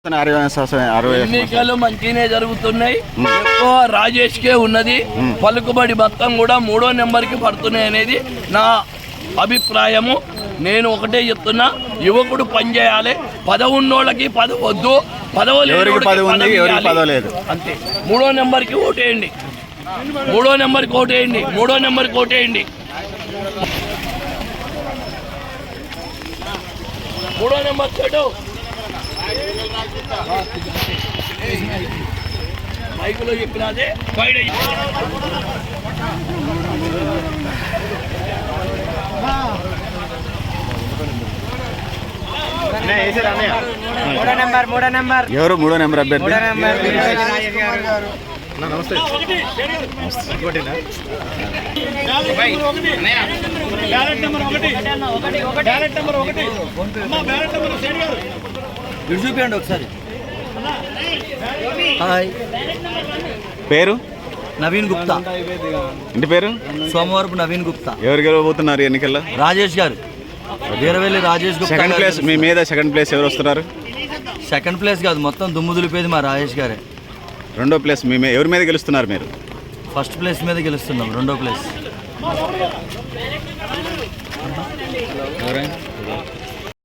ఎన్నికలు మంచిగానే జరుగుతున్నాయి. ఎక్కువ రాజేష్కే ఉన్నది. పలుకుబడి మొత్తం కూడా 3వ నెంబర్కి పడుతున్నాయి అనేది నా అభిప్రాయము. నేను ఒకటే చెప్తున్నా, యువకుడు పనిచేయాలి. పదవి ఉన్నోళ్ళకి పదవి వద్దు, పదవి అంతే. 3వ నెంబర్కి ఓటేయండి, 3వ నెంబర్కి ఓటేయండి, 3వ నెంబర్కి ఓటేయండి. 3వ నెంబర్ చెడు మైకులో చెప్పినదే బయట ఎవరు 3వ నెంబర్ అభ్యర్థి? నమస్తే. చూపించండి ఒకసారి. పేరు నవీన్ గుప్తా. ఇంటి పేరు సోమవారపు నవీన్ గుప్తా. ఎవరు గెలవబోతున్నారు ఎన్నికల్లో? రాజేష్ గారు, వీరవెల్లి రాజేష్ గుప్తా. సెకండ్ ప్లేస్ మీ మీద సెకండ్ ప్లేస్ ఎవరు వస్తున్నారు? సెకండ్ ప్లేస్ కాదు, మొత్తం దుమ్ము దులిపేది మా రాజేష్ గారే. 2వ ప్లేస్ మీ ఎవరి మీద గెలుస్తున్నారు మీరు? ఫస్ట్ ప్లేస్ మీద గెలుస్తున్నాం. 2వ ప్లేస్